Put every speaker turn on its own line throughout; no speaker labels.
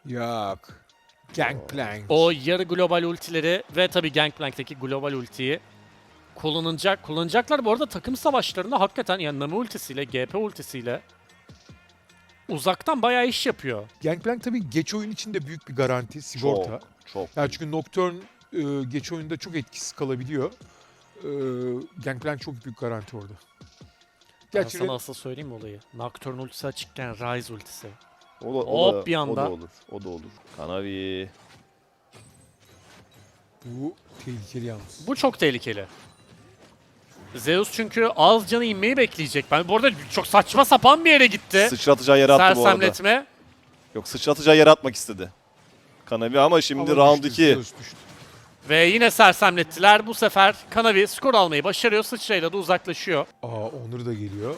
Yok. Gangplank.
O yarı global ultileri ve tabii Gangplank'teki global ultiyi kullanacaklar. Bu arada takım savaşlarında hakikaten yani Nami ultisiyle, GP ultisiyle uzaktan bayağı iş yapıyor.
Gangplank tabii geç oyun için de büyük bir garanti, sigorta.
Çok.
Yani çünkü Nocturne geç oyunda çok etkisiz kalabiliyor. Gangplank çok büyük garanti orada.
Ben
Gerçi
sana asıl söyleyeyim mi olayı? Nocturne ultisi açıkken Ryze ultisi.
O da,
bir anda.
O da olur. O da olur. Kanavi.
bu tehlikeli yalnız.
Bu çok tehlikeli. Zeus çünkü az canı inmeyi bekleyecek. Ben bu arada çok saçma sapan bir yere gitti.
Sıçratacağı yere attı bu arada.
Sersemletme.
Yok, sıçratacağı yere atmak istedi. Kanavi ama şimdi round 2.
Zeus düştü.
Ve yine sersemlettiler. Bu sefer Kanavi skor almayı başarıyor. Sıçrayla da uzaklaşıyor.
Onur da geliyor.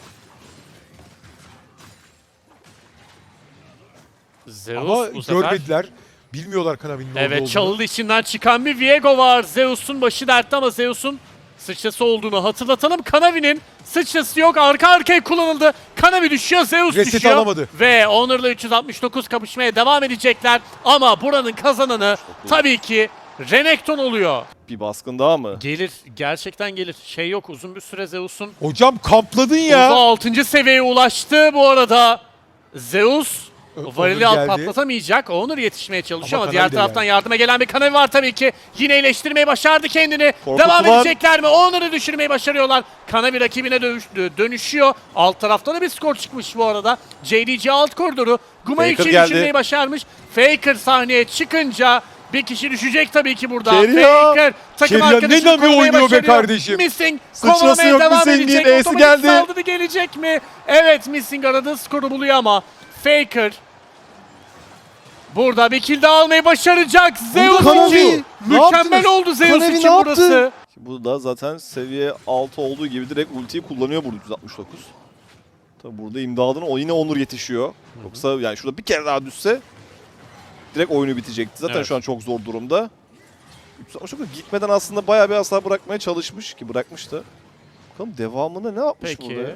Zeus
Ama
bu sefer...
görmediler. Bilmiyorlar Kanavi'nin orada
Evet,
olduğunu.
çalılı içinden çıkan bir Viego var. Zeus'un başı dertte ama Zeus'un sıçrası olduğunu hatırlatalım. Kanavi'nin sıçrası yok. Arka arkaya kullanıldı. Kanavi düşüyor, Zeus
Reset
düşüyor.
alamadı.
Ve Honor'la 369 kapışmaya devam edecekler. Ama buranın kazananı tabii ki Renekton oluyor.
Bir baskın daha mı?
Gelir, gerçekten gelir. Şey yok, uzun bir süre Zeus'un.
Hocam kampladın ya.
Uza 6. seviyeye ulaştı bu arada. Zeus varili
Onur geldi.
patlatamayacak. Onur yetişmeye çalışıyor
Ama
ama diğer
Kanavi de
taraftan
geldi.
yardıma gelen bir Kanavi var tabii ki. Yine iyileştirmeyi başardı kendini.
Korkutulan-
Devam edecekler mi? Onur'u düşürmeyi başarıyorlar. Kanavi rakibine dönüşüyor. Alt tarafta da bir skor çıkmış bu arada. JDG alt koridoru Gumayuchi'yi
geldi.
düşürmeyi başarmış. Faker sahneye çıkınca bir kişi düşecek tabii ki burada.
Keria!
Faker takım
Keria ne
arkadaşını
Nami
korumaya
oynuyor be
başarıyor.
kardeşim?
Missing
Sıçrası
kovalamaya
yok
devam
Missing'in,
edecek.
E'si
Otomatik
geldi.
saldırı gelecek mi? Evet, Missing aradığı skoru buluyor ama Faker burada bir kill daha almayı başaracak. Zeus
Kanavi,
için
ne
mükemmel
yaptınız?
oldu Zeus
Kanavi
için
ne yaptı?
burası.
Bu da zaten seviye 6 olduğu gibi direkt ultiyi kullanıyor burada 369. Tabi burada imdadına o yine Onur yetişiyor. Yoksa yani şurada bir kere daha düşse direkt oyunu bitecekti. Zaten
Evet.
şu an çok zor durumda. 369 gitmeden aslında bayağı bir hasar bırakmaya çalışmış ki bırakmıştı. Bakalım devamında ne yapmış
Peki.
burada ya?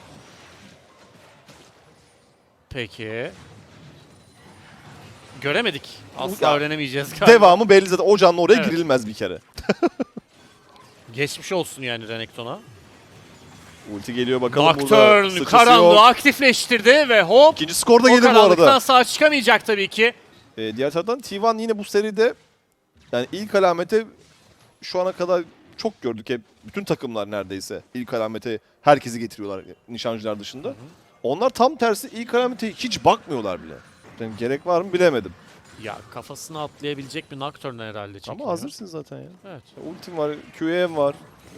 Peki. Göremedik. Asla
Ya,
öğrenemeyeceğiz galiba.
Devamı belli zaten. O canlı oraya
Evet.
girilmez bir kere.
Geçmiş olsun yani Renekton'a.
Ulti geliyor bakalım burada.
Nocturne
Sıçrası
karanlığı
yok.
aktifleştirdi ve hop.
İkinci skor da
O
gelir bu
karanlıktan
arada.
sağ çıkamayacak tabii ki.
Diğer taraftan T1 yine bu seride yani ilk alamete şu ana kadar çok gördük hep. Bütün takımlar neredeyse ilk alamete herkesi getiriyorlar nişancılar dışında. Onlar tam tersi ilk alamete hiç bakmıyorlar bile. Yani gerek var mı bilemedim.
Ya kafasına atlayabilecek bir Nocturne herhalde çekiyor.
Ama hazırsın zaten ya.
Evet.
Ultim var, QM var.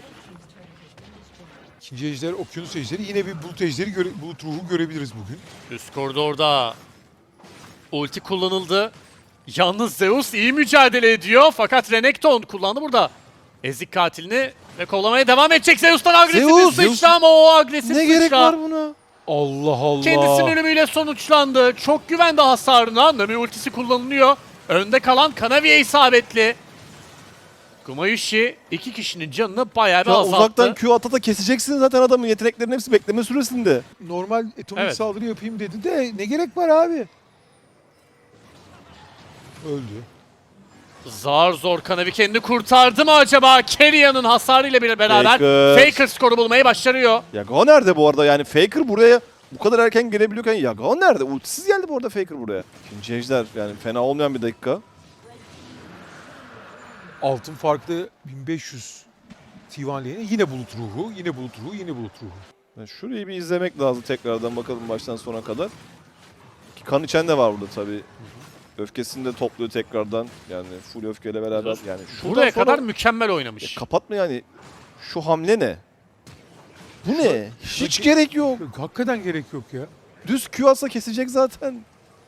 İkinci ejder, okyanus ejderi. Yine bir bulut ejderi, bulut ruhu görebiliriz bugün.
Üst koridorda ulti kullanıldı. Yalnız Zeus iyi mücadele ediyor fakat Renekton kullandı burada. Ezik katilini ve kovalamaya devam edecek. Zeus'tan agresif
Zeus,
bir sıçra ama o agresif
Ne
sıçra
gerek var buna?
Allah Allah.
kendisinin ölümüyle sonuçlandı. Çok güvendi hasarına. Nami ultisi kullanılıyor. Önde kalan Kanavi'ye isabetli. Gumayushi iki kişinin canını bayağı bir
Ya
azalttı.
uzaktan Q ata keseceksin zaten adamın yeteneklerinin hepsi bekleme süresinde.
Normal atomik
Evet.
saldırı yapayım dedi de ne gerek var abi? Öldü.
Zar zor Kanavi kendini kurtardı mı acaba? Keria'nın hasarıyla bile beraber Faker skoru bulmayı başarıyor.
Yagao nerede bu arada? Yani Faker buraya bu kadar erken gelebiliyorken Yagao nerede? Ultisiz geldi bu arada Faker buraya. İkinci ejder yani fena olmayan bir dakika.
Altın farklı 1500 T1 lane'e yine bulut ruhu, yine bulut ruhu, yine bulut ruhu.
Yani şurayı bir izlemek lazım tekrardan bakalım baştan sona kadar. Ki kan içen de var burada tabii. Öfkesini de topluyor tekrardan. Yani full öfkeyle beraber. Yani şuradan
Buraya
sonra
kadar mükemmel oynamış.
kapatma yani. Şu hamle ne? Bu ne? Hiç gerek yok.
Hakikaten gerek yok ya.
Düz Q atsa kesecek zaten.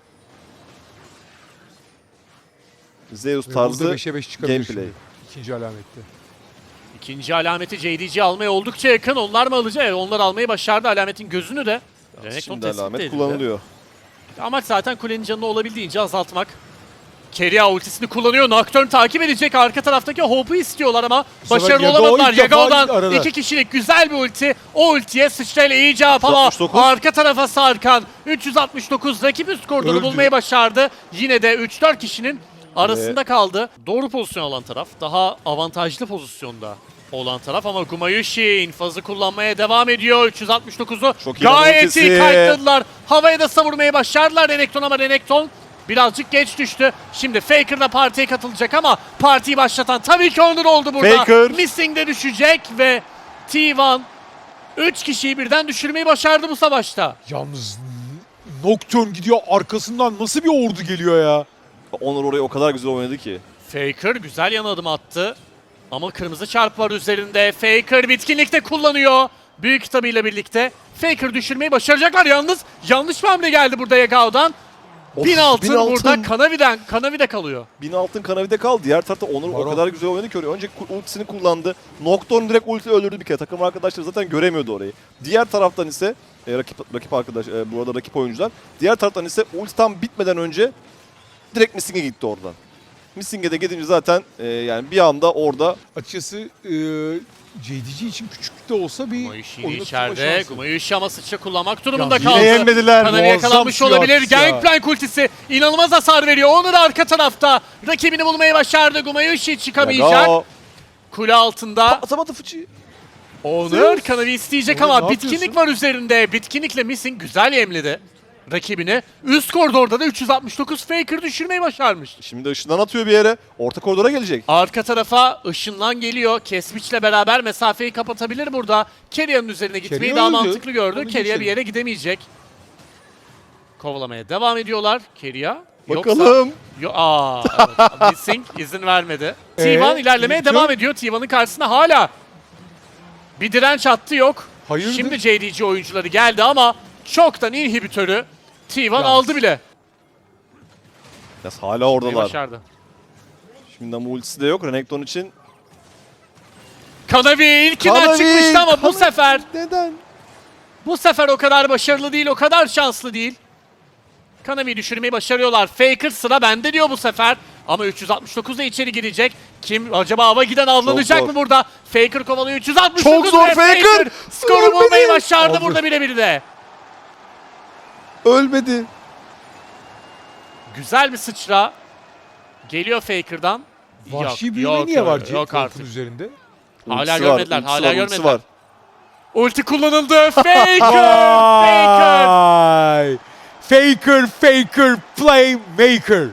Zeus
Ve
tarzı
burada 5'e 5 çıkabilir
gameplay.
şimdi. İkinci alamette.
İkinci alameti JDG almaya oldukça yakın. Onlar mı alacak? Evet, onlar almayı başardı. Alametin gözünü de. Renekton
Şimdi
tespit
alamet
edildi.
kullanılıyor.
Amaç zaten kulenin canını olabildiğince azaltmak. Keria ultisini kullanıyor. Nocturne takip edecek. Arka taraftaki Hope'u istiyorlar ama
sefer
başarılı
Yagao
olamadılar.
ilk defa
Yagao'dan
arada.
2 kişilik güzel bir ulti. O ultiye sıçrayla iyi cevap ama
369.
arka tarafa sarkan 369 rakip üst koridoru
Öldü.
bulmayı başardı. Yine de 3-4 kişinin arasında kaldı. Doğru pozisyon alan taraf. Daha avantajlı pozisyonda olan taraf ama Gumayushi infazı kullanmaya devam ediyor. 369'u
Çok iyi
gayet
ultisi.
iyi kayıtladılar. Havaya da savurmayı başardılar Renekton ama Renekton birazcık geç düştü. Şimdi Faker da partiye katılacak ama partiyi başlatan tabii ki Onur oldu burada.
Faker.
Missing de düşecek ve T1 3 kişiyi birden düşürmeyi başardı bu savaşta.
Yalnız Nocturne gidiyor, arkasından nasıl bir ordu geliyor ya?
Onur orayı o kadar güzel oynadı ki.
Faker güzel yan adım attı. Ama kırmızı çarp var üzerinde. Faker bitkinlikte kullanıyor. Büyük kitabıyla birlikte. Faker düşürmeyi başaracaklar yalnız. Yanlış bir hamle geldi burada Yagao'dan.
Of,
1000 altın
1000 altın.
burada Kanavi'de kalıyor.
1000 altın Kanavi'de kaldı. Diğer tarafta Onur o
Baron.
kadar güzel oynadı ki oraya. Önce ultisini kullandı. Nocturne direkt ulti öldürdü bir kere. Takım arkadaşları zaten göremiyordu orayı. Diğer taraftan ise rakip arkadaş, bu arada rakip oyuncular. Diğer taraftan ise ulti tam bitmeden önce direkt Missing'e gitti oradan. Missing'e de gidince zaten yani bir anda orada
Açıkçası JDG için küçük de olsa bir
Gumayushi yine
oyunu tutma
içeride.
şansı.
Gumayushi ama sıçra kullanmak durumunda
Yine
kaldı.
yenmediler.
Kanavi
Muazzam
yakalanmış
suya
olabilir.
atış ya.
Gangplank ultisi inanılmaz hasar veriyor. Onur arka tarafta. Rakibini bulmayı başardı. Gumayushi çıkamayacak.
Yagao
Kule altında.
atamadı fıçıyı.
Onur Kanavi isteyecek
Onur,
ama
ne
bitkinlik
yapıyorsun?
var üzerinde. Bitkinlikle Missing güzel yemledi rakibini. Üst koridorda da 369 Faker düşürmeyi başarmış.
Şimdi ışından atıyor bir yere. Orta koridora gelecek.
Arka tarafa ışınlan geliyor. Kesmiç'le beraber mesafeyi kapatabilir burada. Keria'nın üzerine gitmeyi
Keria
daha
öldü.
mantıklı gördü.
Onu
Keria bir
geçelim.
yere gidemeyecek. Kovalamaya devam ediyorlar. Keria.
Bakalım.
Evet. Missing izin vermedi. T1 ilerlemeye
Victor?
devam ediyor. T1'ın karşısında hala bir direnç hattı yok.
Hayırdır?
Şimdi JDG oyuncuları geldi ama çoktan inhibitörü T1 aldı bile.
Ya hala oradalar.
Başardı.
Şimdi ama ultisi de yok Renekton için.
Kanavi ilkinden
Kanavi,
çıkmıştı ama bu
Kanavi.
sefer
Neden?
o kadar başarılı değil, o kadar şanslı değil. Kanavi'yi düşürmeyi başarıyorlar. Faker sıra bende diyor bu sefer. Ama 369 da içeri girecek. Kim acaba hava giden avlanacak
zor.
mı burada? Faker kovalıyor 369
Çok zor
ve
Faker!
skoru
Ölmedi!
bulmayı başardı
Aldı.
burada birebir de.
Ölmedi.
Güzel bir sıçra. Geliyor Faker'dan.
Vahşi büyüme niye var
yok
Yok
artık.
üzerinde?
Hala
Ultisi
görmediler,
ultisi
hala
ultisi
görmediler.
var.
Ulti kullanıldı. Faker! Faker!
Vay! Faker, playmaker.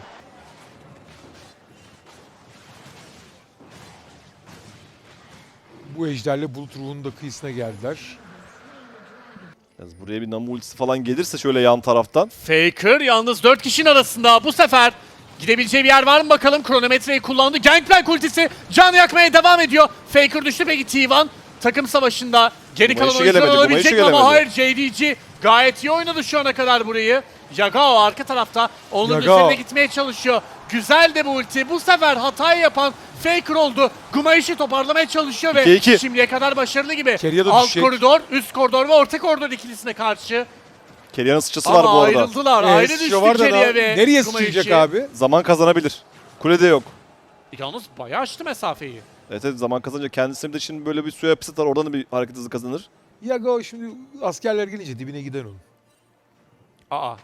Bu ejderle bulut ruhunun da kıyısına geldiler.
Yalnız buraya bir Namu ultisi falan gelirse şöyle yan taraftan.
Faker yalnız 4 kişinin arasında bu sefer gidebileceği bir yer var mı bakalım. Kronometreyi kullandı. Gangplank ultisi can yakmaya devam ediyor. Faker düştü peki T1 takım savaşında geri kalan
Gumayushi
oyuncular
gelemedi,
olabilecek mi
Gumayushi
ama hayır
gelemedi.
JDG gayet iyi oynadı şu ana kadar burayı. Yagao arka tarafta onun
Yagao.
üzerine gitmeye çalışıyor. Güzel de bu ulti. Bu sefer hatayı yapan Faker oldu. Gumayushi toparlamaya çalışıyor ve
2-2.
şimdiye kadar başarılı gibi.
Keria da
Alt
düşecek.
koridor, üst koridor ve orta koridor ikilisine karşı.
Keria'nın sıçrası var bu
Ama
arada.
ayrıldılar. Ayrı düştü Keria ve
nereye
Gumayushi.
sıçrayacak abi?
Zaman kazanabilir. Kulede yok.
Yalnız bayağı açtı mesafeyi.
Evet, evet, zaman kazanınca kendisine de şimdi böyle bir suya hapis atar. Oradan da bir hareket hızı kazanır.
Yagao şimdi askerler gelince dibine gider onun.
Aa.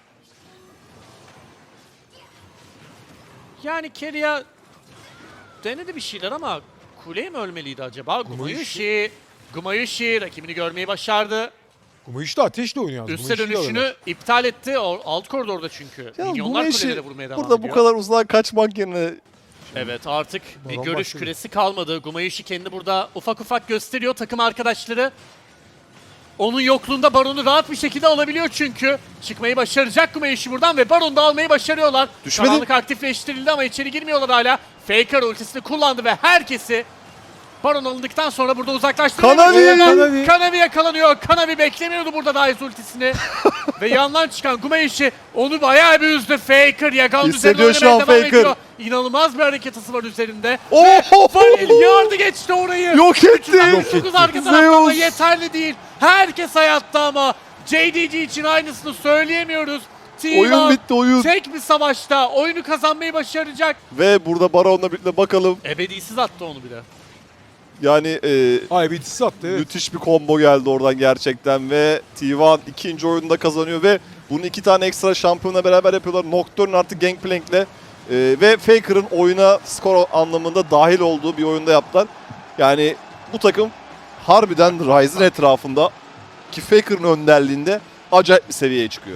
Yani Keria denedi bir şeyler ama kuleye mi ölmeliydi acaba? Gumayushi rakibini görmeyi başardı.
Gumayushi de ateşle oynuyor. yalnız.
Üste
Gumayushi'yi
dönüşünü
alırlar.
iptal etti. Alt koridorda çünkü.
Ya
Milyonlar
Gumayushi
kulelere vurmaya devam
burada
ediyor.
bu kadar uzağa kaçmak yerine
Evet artık bir
Baron
görüş
başladı.
küresi kalmadı. Gumayushi kendi burada ufak ufak gösteriyor. Takım arkadaşları onun yokluğunda Baron'u rahat bir şekilde alabiliyor çünkü. Çıkmayı başaracak Gumayushi buradan ve Baron'u da almayı başarıyorlar.
Düşmedi.
Karanlık aktifleştirildi ama içeri girmiyorlar hala. Faker ultisini kullandı ve herkesi Baron alındıktan sonra burada uzaklaştırmaya
Kanavi!
başarıyorlar. Kanavi yakalanıyor. Kanavi beklemiyordu burada Daiz ultisini. Ve yandan çıkan Gumayushi onu bayağı bir üzdü. Faker Yagao'nun üzerine
Hissediyor şu
oynamaya
an
devam
Faker.
ediyor. İnanılmaz bir hareket hızı var üzerinde.
Oho!
Vanil yardı geçti orayı.
Yok etti.
369 arka tarafta ama
Zeus.
yeterli değil. Herkes hayatta ama JDG için aynısını söyleyemiyoruz.
Oyun bitti oyun.
tek bir savaşta oyunu kazanmayı başaracak.
Ve burada Baron'la birlikte bakalım.
Ebedisiz attı onu bile.
Yani
Ay bitisi attı evet.
müthiş bir combo geldi oradan gerçekten ve T1 ikinci oyunda kazanıyor ve bunu 2 tane ekstra şampiyonla beraber yapıyorlar. Nocturne artı Gangplank'le ve Faker'ın oyuna skor anlamında dahil olduğu bir oyunda yaptılar. Yani bu takım harbiden Ryze'ın etrafında ki Faker'ın önderliğinde acayip bir seviyeye çıkıyor.